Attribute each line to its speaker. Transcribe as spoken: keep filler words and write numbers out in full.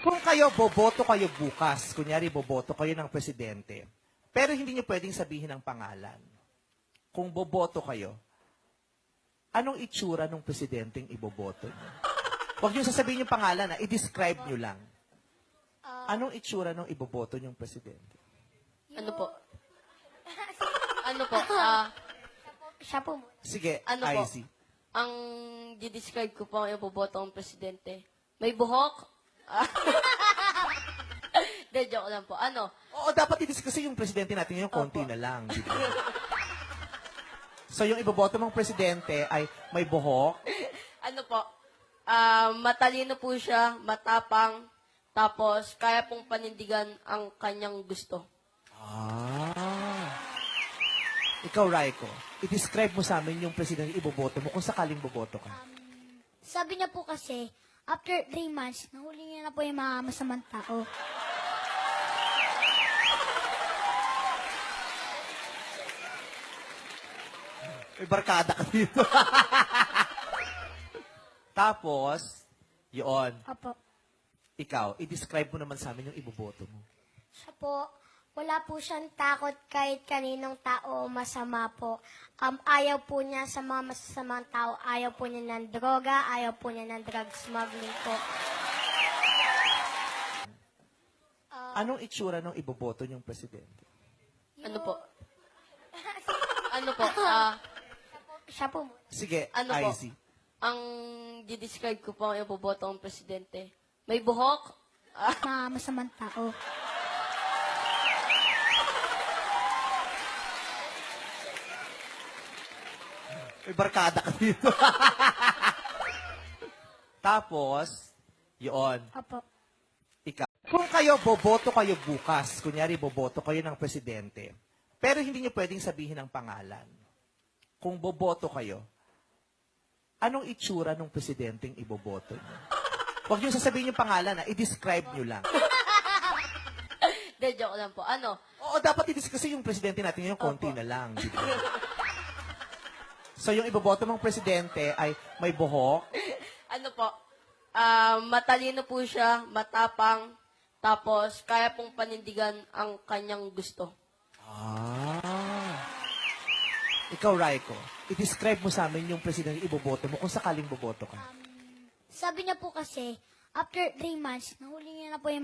Speaker 1: Kung kayo, boboto kayo bukas, kunyari boboto kayo ng presidente, pero hindi nyo pwedeng sabihin ang pangalan. Kung boboto kayo, anong itsura ng presidenteng iboboto nyo? Huwag nyo sasabihin yung pangalan, ha? I-describe nyo lang. Anong itsura ng iboboto nyong presidente?
Speaker 2: Ano po? Ano po? Ah,
Speaker 3: Siya po.
Speaker 1: Sige,
Speaker 2: Ano po?
Speaker 1: I C.
Speaker 2: ang di-describe ko po ang iboboto ng presidente. May buhok? Ah. De, joke lang po. Ano?
Speaker 1: Oo, dapat i-discuss kasi yung presidente natin ngayon, konti
Speaker 2: Opo.
Speaker 1: na lang. Di ba? So, yung iboboto mong presidente ay may buhok,
Speaker 2: Ano po? Ah, matalino po siya, matapang, tapos kaya pong panindigan ang kanyang gusto.
Speaker 1: Ah. Ikaw, Raiko, i-describe mo sa amin yung presidente iboboto mo kung sakaling boboto ka.
Speaker 3: Sabi niya po kasi, after three months, nahuli niya na po yung mga masamang tao.
Speaker 1: May barkada ka dito. Tapos, yun,
Speaker 3: Opo.
Speaker 1: ikaw, i-describe mo naman sa amin yung iboboto mo.
Speaker 4: Siya po, wala po siyang takot kahit kaninong tao o masama po. Um, ayaw po niya sa mga masasamang tao. Ayaw po niya ng droga. Ayaw po niya ng drug smuggling po.
Speaker 1: Anong itsura ng iboboto nyong presidente?
Speaker 2: Ano po? Ano po? Ah,
Speaker 4: Siya po.
Speaker 1: Sige,
Speaker 2: Ano po?
Speaker 1: I C.
Speaker 2: ang di-describe ko po ang iboboto ng presidente. May buhok? Ah,
Speaker 3: Mga masamang tao.
Speaker 1: May barkada ka dito. Tapos, yun,
Speaker 3: Opo.
Speaker 1: ikaw. Kung kayo, boboto kayo bukas, kunyari boboto kayo ng presidente, pero hindi nyo pwedeng sabihin ang pangalan. Kung boboto kayo, anong itsura ng presidenteng iboboto nyo? Huwag nyo sasabihin yung pangalan, ha? I-describe nyo lang.
Speaker 2: de, joke lang po. Ano?
Speaker 1: Oo, dapat i-discuss kasi yung presidente natin ngayon, konti
Speaker 2: Opo.
Speaker 1: na lang. Di ba? So, yung iboboto mong presidente ay may buhok,
Speaker 2: Ano po? Ah, matalino po siya, matapang, tapos kaya pong panindigan ang kanyang gusto.
Speaker 1: Ah. Ikaw, Raiko, i-describe mo sa amin yung presidente iboboto mo kung sakaling boboto ka.
Speaker 3: Sabi niya po kasi, after three months, nahuli niya na po yung